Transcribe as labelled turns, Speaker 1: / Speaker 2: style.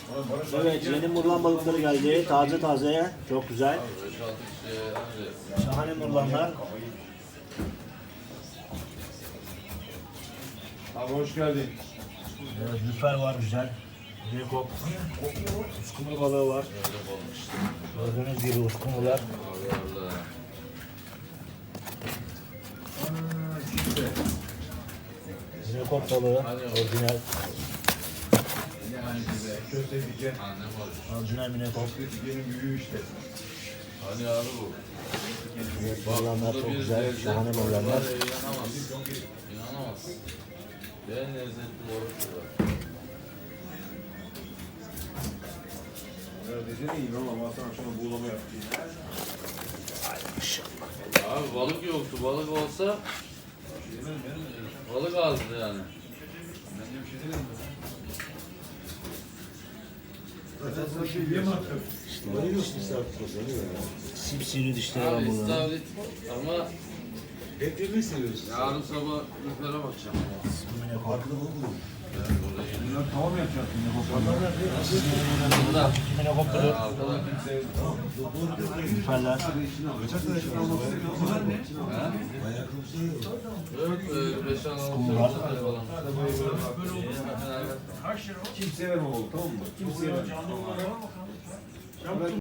Speaker 1: Evet, yeni murlan balıkları geldi. Taze taze, çok güzel. Şahane murlanlar.
Speaker 2: Abi hoş geldin.
Speaker 1: Evet, lüfer var güzel. Rekop. Uskumru balığı var. Gördüğünüz gibi uskumrular. Rekop balığı, orijinal.
Speaker 2: Köfte diyeceksin.
Speaker 1: Orijinal minekop.
Speaker 2: Köftenin büyüğü işte.
Speaker 3: Hani abi bu.
Speaker 1: Evet, murlanlar çok güzel. Şahane murlanlar.
Speaker 3: İnanamaz. İnanamaz. En lezzetli balık bu.
Speaker 2: Neredeyse iyiyim ama Hasan akşama buğulama yaptı.
Speaker 3: Abi balık yoktu. Balık olsa balık azdı yani.
Speaker 2: Ben de bir şey demedim. Zaten şey yiyemezdim.
Speaker 1: Sipsiri dişleri var
Speaker 3: Abi
Speaker 1: bunların.
Speaker 3: istavrit ama
Speaker 2: Hep yemeği seviyoruz.
Speaker 3: yarın sabah yukarı bakacağım.
Speaker 1: Minekop.
Speaker 2: Bunlar tamam yapacak.
Speaker 3: Burada.
Speaker 1: Minekop balığı.
Speaker 3: Arkadan
Speaker 1: Lüferler.
Speaker 3: yok 5-6
Speaker 1: Kumlar.
Speaker 3: falan.
Speaker 2: Kimseye vermem oldu, tamam mı? Kimseye vermem.